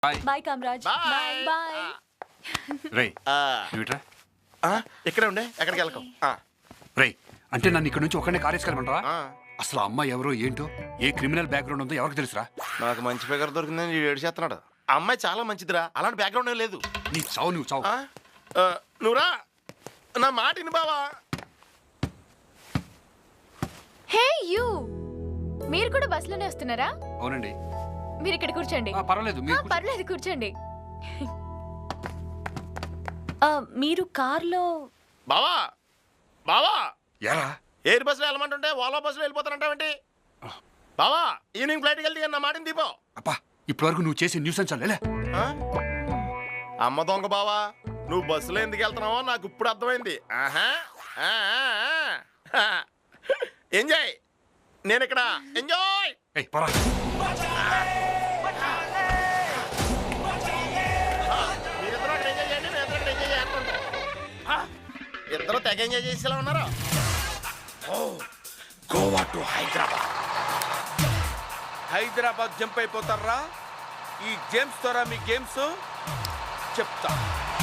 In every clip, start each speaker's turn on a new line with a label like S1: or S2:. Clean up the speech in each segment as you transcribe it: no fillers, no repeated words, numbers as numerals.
S1: Bye Kamaraj. Bye.
S2: రేయ్ నువ్వుట్రా.
S3: ఇక్కడే ఉండే ఎక్కడికి వెళ్ళకు.
S2: రేయ్ అంటే నన్ను ఇక్కడ నుంచి ఒక్కడే కారేసుకెళ్ళమంటావా? అసలు ఆ అమ్మాయి ఎవరో ఏంటో ఏ క్రిమినల్ బ్యాక్గ్రౌండ్ ఉందో ఎవరికి తెలుసురా?
S3: నాకు మంచి ఫిగర్ దొరికిందని ఏడు చేస్తున్నాడు. ఆ అమ్మాయి చాలా మంచిదిరా, అలాంటి బ్యాక్గ్రౌండ్ ఏం లేదు.
S2: నీ చావు నువ్వు చావు.
S3: నువ్వురా నా మాట విను బావా.
S1: హే యూ, మీరు కూడా బస్సులోనే వస్తున్నారా?
S2: అవునండి.
S1: మీరు ఇక్కడ కూర్చోండి.
S2: పర్వాలేదు
S1: పర్లేదు కూర్చోండి. మీరు కార్లో
S3: బావా బావా
S2: ఎరా
S3: ఎయిర్ బస్సులో వెళ్ళమంటుంటే ఓలా బస్సులో వెళ్ళిపోతానంటావేంటి? బావా ఈవినింగ్ ఫ్లైట్కి వెళ్తే నా మాటని దీపో.
S2: అప్పా ఇప్పటి వరకు నువ్వు చేసే న్యూస్ చాలే.
S3: అమ్మ దొంగ బావా, నువ్వు బస్సులో ఎందుకు వెళ్తున్నావో నాకు ఇప్పుడు అర్థమైంది. ఎంజాయ్, నేను ఇక్కడ ఎంజాయ్. మీరిద్దరూ అక్కడ ఎంజాయ్ చేయండి, నేను ఇక్కడ ఎంజాయ్ చేస్తుంటా. ఇద్దరు తెగ ఎంజాయ్ చేసేలా ఉన్నారు. గోవా టు హైదరాబాద్.
S4: హైదరాబాద్ జంప్ అయిపోతారా? ఈ గేమ్స్ ద్వారా మీ గేమ్స్ చెప్తా.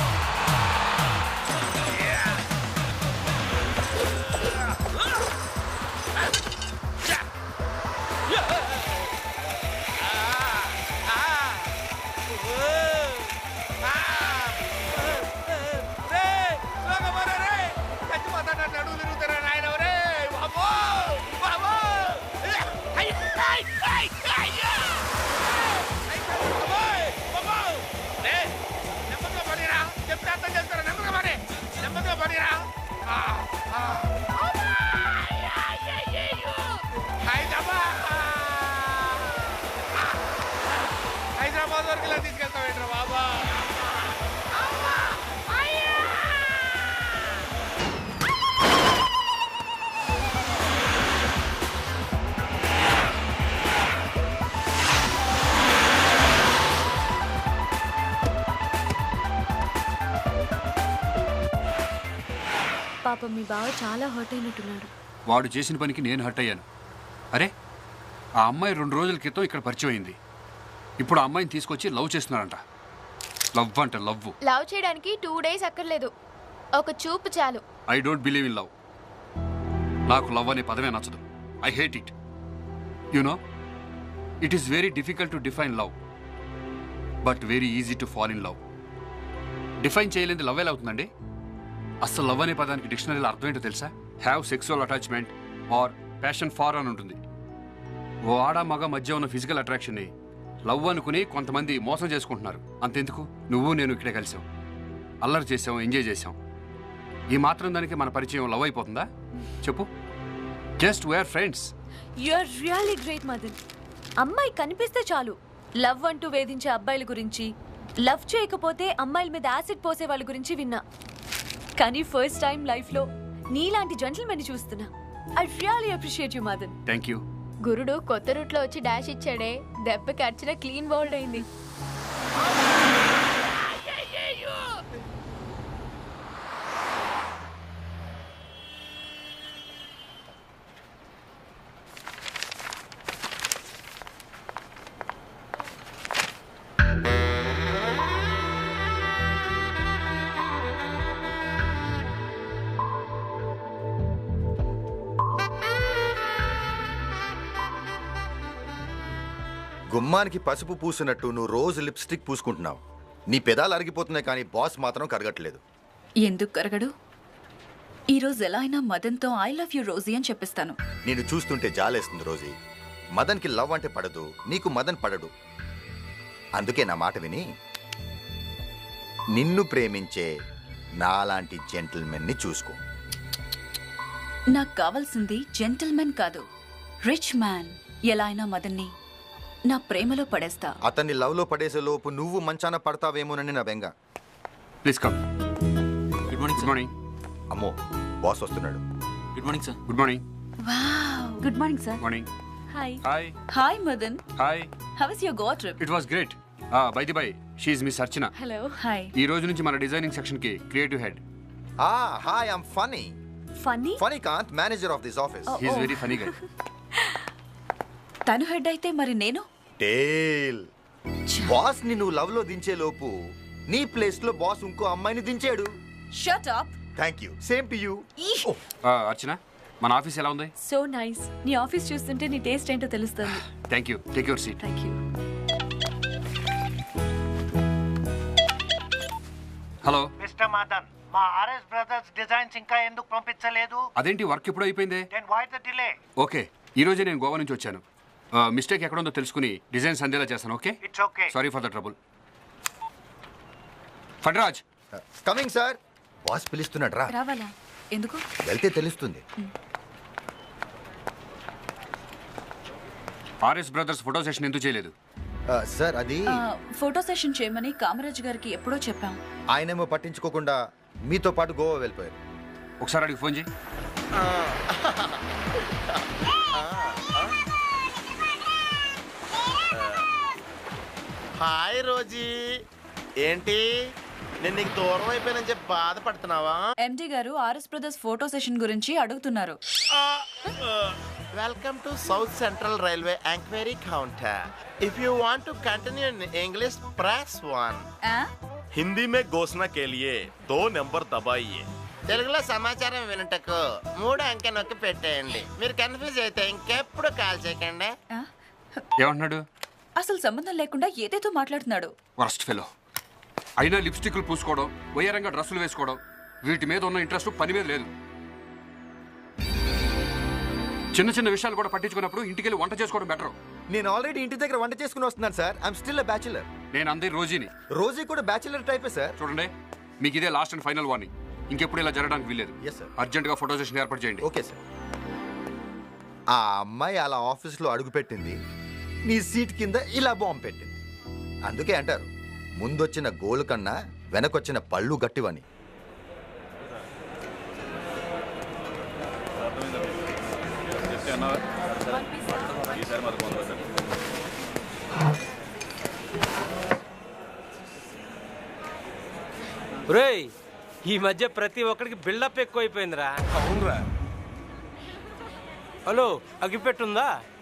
S4: హైదరాబాద్ వరకు ఇలా తీసుకెళ్తావేంట్రా బాబా?
S1: పాపం మీ బావ చాలా హర్ట్ అయినట్టున్నాడు.
S2: వాడు చేసిన పనికి నేను హర్ట్ అయ్యాను. అరే ఆ అమ్మాయి 2 రోజుల క్రితం ఇక్కడ పరిచయం అయింది. ఇప్పుడు ఆ అమ్మాయిని తీసుకొచ్చి లవ్ చేస్తున్నారంట. లవ్ అంట లవ్.
S1: లవ్ చేయడానికి 2 days అక్కర్లేదు, ఒక చూపు చాలు.
S2: I don't believe in love. నాకు లవ్ అనే పదమే నచ్చదు. I hate it. You know it is very difficult to define love, but very easy to fall in love. Define చేయలేని లవ్ ఎలా అవుతుందండి? అసలు లవ్ అనే పదానికి డిక్షనరీలో అర్థం ఏంటో తెలుసా? Have sexual attachment or passion for అని ఉంటుంది. ఓ ఆడ మగ మధ్య ఉన్న ఫిజికల్ అట్రాక్షన్ని లవ్ అనుకుని కొంతమంది మోసం చేసుకుంటున్నారు. అంతెందుకు, నువ్వు నేను ఇక్కడే కలిసాం, అల్లరి చేసాం, ఎంజాయ్ చేసాం. ఈ మాత్రం దానికి మన పరిచయం లవ్ అయిపోతుందా చెప్పు? Just we're friends.
S1: You are really great Madan. అమ్మాయి కనిపిస్తే చాలు లవ్ అంటూ వేధించే అబ్బాయిల గురించి, లవ్ చేయకపోతే అమ్మాయిల మీద యాసిడ్ పోసే వాళ్ళ గురించి విన్నా. కానీ ఫస్ట్ టైం లైఫ్లో నీలాంటి జెంటిల్మెన్ చూస్తున్నా. I really appreciate you Madan.
S2: Thank you.
S1: గురుడు కొత్త రూట్లో వచ్చి డాష్ ఇచ్చాడే, దెబ్బకి అర్చన క్లీన్ బౌల్డ్ అయింది.
S5: గుమ్మానికి పసుపు పూసినట్టు నువ్వు రోజు లిప్స్టిక్ పూసుకుంటున్నావు. నీ పెదాలు అరిగిపోతున్నాయి, కానీ బాస్ మాత్రం కరగట్లేదు.
S6: ఎందుకు కరగడు? ఈరోజు ఎలా అయినా మదన్తో ఐ లవ్ యూ రోజీ అని చెప్పిస్తాను.
S5: నేను చూస్తుంటే జాలేస్తుంది రోజీ. మదన్కి లవ్ అంటే పడదు, నీకు మదన్ పడడు. అందుకే నా మాట విని నిన్ను ప్రేమించే నాలాంటి జెంటిల్మెన్ని చూసుకో.
S6: నాకు కావాల్సింది జెంటిల్మెన్ కాదు, రిచ్ మ్యాన్. ఎలా అయినా మదన్ని నా ప్రేమలో పడేస్తా.
S5: అతన్ని లవ్ లో పడేసే లోపు నువ్వు మంచాన పడతావేమోనని నా బెంగ.
S2: Please come. Good morning. Good morning.
S5: అమ్మో, బాస్ వస్తున్నాడు.
S7: Good morning sir.
S2: Good morning.
S6: Wow, good morning sir.
S2: Morning.
S1: Hi.
S2: Hi.
S6: Hi Madan.
S2: Hi.
S6: How was your Goa trip?
S2: It was great. By the by, she is miss Archana.
S1: Hello.
S6: Hi.
S2: ఈ రోజు నుంచి మన designing section కి creative head.
S5: Hi, I'm Phani.
S1: Funny?
S5: Phani Kanth, manager of this office.
S2: He is very funny guy.
S6: తను head అయితే మరి నేను?
S5: టేల్. Boss ని నువ్వు లవ్ లో దించే లోపు నీ ప్లేస్ లో బాస్ ఇంకో అమ్మాయిని దించాడు.
S6: Shut up.
S5: Thank you. Same to you.
S2: Archana, మన ఆఫీస్ ఎలా ఉంది?
S1: So nice. నీ ఆఫీస్ చూస్తుంటే నీ టేస్ట్ ఏంటో తెలుస్తుంది.
S2: Thank you. Take your seat.
S1: Thank you.
S2: Hello
S7: mister Madan, మా ఆర్ఎస్ బ్రదర్స్ డిజైన్స్ ఇంకా ఎందుకు పంపించలేదు?
S2: అదేంటి, వర్క్ ఎప్పుడు అయిపోయింది?
S7: Then why the delay?
S2: Okay, ఈ రోజే నేను గోవా నుంచి వచ్చాను. మిస్టేక్ ఎక్కడ ఉందో తెలుసుకుని డిజైన్స్ అందేలా చేస్తాను. Okay,
S7: it's okay.
S2: Sorry for the trouble. ఫడ్రాజ్,
S5: కమింగ్ సార్. బాస్ పిలుస్తున్నాడు రా.
S6: రావాలా? ఎందుకు?
S5: వెళ్తే తెలుస్తుంది.
S2: ఆర్ఎస్ బ్రదర్స్ ఫోటో సెషన్ ఎందుకు చేయలేదు?
S5: సార్ అది
S6: ఫోటో సెషన్ చేయమని కామరాజ్ గారికి ఎప్పుడో చెప్పాం.
S5: ఆయనేమో పట్టించుకోకుండా మీతో పాటు గోవా వెళ్ళిపోయారు.
S2: ఒకసారి అడిగి ఫోన్ చేయి.
S3: Hi Rosy. ఏంటి నేను నీకు దూరం అయిపోయానని చెప్పి బాధపడుతున్నావా?
S6: ఎండి గారు ఆర్ఎస్ బ్రదర్స్ ఫోటో సెషన్ గురించి అడుగుతున్నారు.
S3: Welcome to south central railway enquiry counter. If you want to continue in English press 1.
S8: Hindi में घोषणा के लिए 2 नंबर दबाइए.
S3: తెలుగులో సమాచారం వినటకు 3 అంకె నొక్కి పెట్టేయండి. మీరు కన్ఫ్యూజ్ అయితే ఇంకెప్పుడు కాల్ చేయకండి.
S2: ఏమంటున్నాడు?
S6: అసలు సంబంధం లేకుండా ఏదేదో మాట్లాడుతున్నాడు.
S2: Worst fellow. అయినా లిప్స్టిక్లు పూసుకోవడం, వయ్యారంగా డ్రెస్సులు వేసుకోవడం, వీటి మీద ఉన్న ఇంట్రెస్ట్ పని మీద లేదు. చిన్న చిన్న విషయాలు కూడా పట్టించుకున్నప్పుడు ఇంటికి వెళ్ళి వంట చేసుకోవడం బెటర్.
S5: నేను ఆల్రెడీ ఇంటి దగ్గర వంట చేసుకుని వస్తున్నాను sir. I'm still a bachelor.
S2: నేను అందరి రోజీని.
S5: రోజీ కూడా బ్యాచులర్ టైపే సార్.
S2: చూడండి, మీకు ఇదే లాస్ట్ అండ్ ఫైనల్ వార్నింగ్. ఇంకెప్పుడు ఇలా జరగడానికి వీల్లేదు.
S5: Yes, sir.
S2: అర్జెంట్గా ఫోటో సెషన్ ఏర్పాటు చేయండి.
S5: Okay sir. ఆ అమ్మాయి అలా ఆఫీస్లో అడుగుపెట్టింది, నీ సీట్ కింద ఇలా బాంబు పెట్టింది. అందుకే అంటారు, ముందొచ్చిన గోలు కన్నా వెనకొచ్చిన పళ్ళు గట్టివని.
S9: రేయ్, ఈ మధ్య ప్రతి ఒక్కడికి బిల్డప్ ఎక్కువైపోయిందిరా.
S4: అవునరా.
S9: హలో, అగ్గిపెట్టుందా?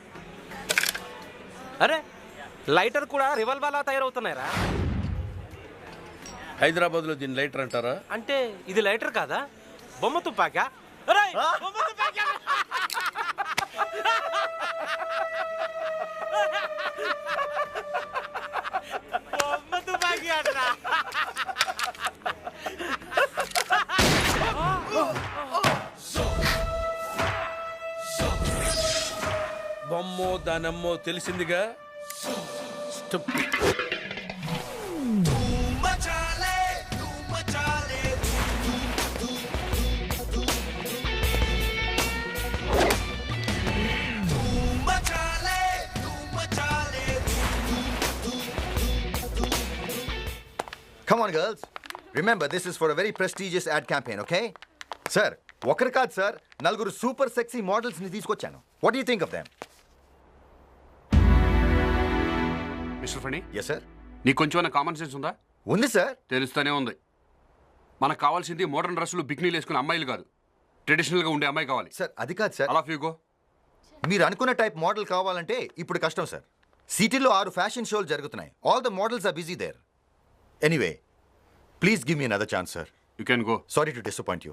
S9: అరే, లైటర్ కూడా రివాల్వర్లా తయారవుతున్నాయిరా.
S4: హైదరాబాద్ లో దీని లైటర్ అంటారా?
S9: అంటే ఇది లైటర్ కాదా, బొమ్మ తుపాకా? అరేయ్, బొమ్మ తుపాకా! బొమ్మ తుపాకీ అంటరా.
S4: బొమ్మో దానమ్మో తెలిసిందిగా.
S5: Come on, girls. Remember, this is for a very prestigious ad campaign, okay? Sir, ఒకరు కాదు సార్, నలుగురు సూపర్ సెక్సీ మోడల్స్ ని తీసుకొచ్చాను. What do you think of them?
S2: Mister Phani,
S5: Yes, sir.
S2: నీకు కొంచెం కామన్ సెన్స్ ఉందా?
S5: ఉంది సార్.
S2: తెలుస్తూనే ఉంది. మనకు కావాల్సింది మోడర్న్ డ్రెస్సులు, బిక్నీలు వేసుకునే అమ్మాయిలు కాదు, ట్రెడిషనల్గా ఉండే అమ్మాయి కావాలి.
S5: సార్ అది కాదు సార్.
S2: అలా ఫీగో.
S5: మీరు అనుకున్న టైప్ మోడల్ కావాలంటే ఇప్పుడు కష్టం సార్. సిటీలో 6 ఫ్యాషన్ షోలు జరుగుతున్నాయి. All the models are busy there. Anyway, please give me another chance sir.
S2: You can go.
S5: Sorry to disappoint you.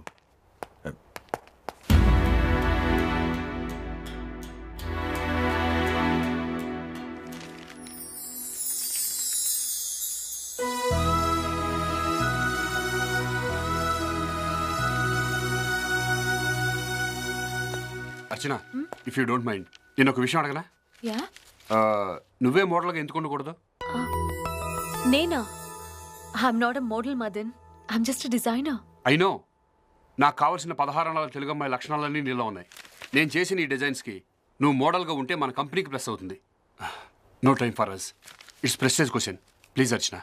S2: Archana, if you don't mind, నేను ఒక విషయం అడగనా?
S1: యా.
S2: నువ్వే మోడల్గా ఎందుకు ఉండకూడదు?
S1: నేనా? I'm not a model Madan. I'm just designer.
S2: I know. నాకు కావాల్సిన 16 అణాల తెలుగు అమ్మాయి లక్షణాలన్నీ నీలో ఉన్నాయి. నేను చేసిన ఈ డిజైన్స్కి నువ్వు మోడల్గా ఉంటే మన కంపెనీకి ప్లస్ అవుతుంది. No time for us. It's prestige question. Please Archana,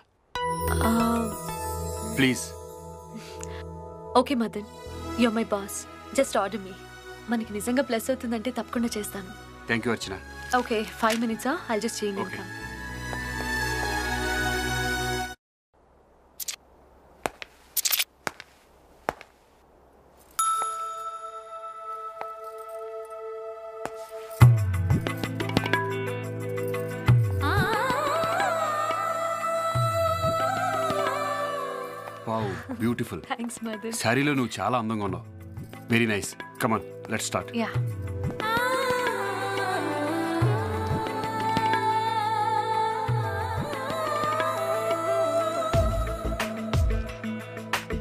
S2: please.
S1: Okay Madan, you're my boss. Just order me. మనకి నిజంగా ప్లస్ అవుతుందంటే తప్పకుండా చేస్తాను.
S2: Thank you Archana.
S1: Okay, 5 minutes. I'll just change
S2: Okay.
S1: income.
S2: Wow beautiful
S1: thanks Madan.
S2: శారీలో నువ్వు చాలా అందంగా ఉన్నావు. Very nice. Come on let's start.
S1: Yeah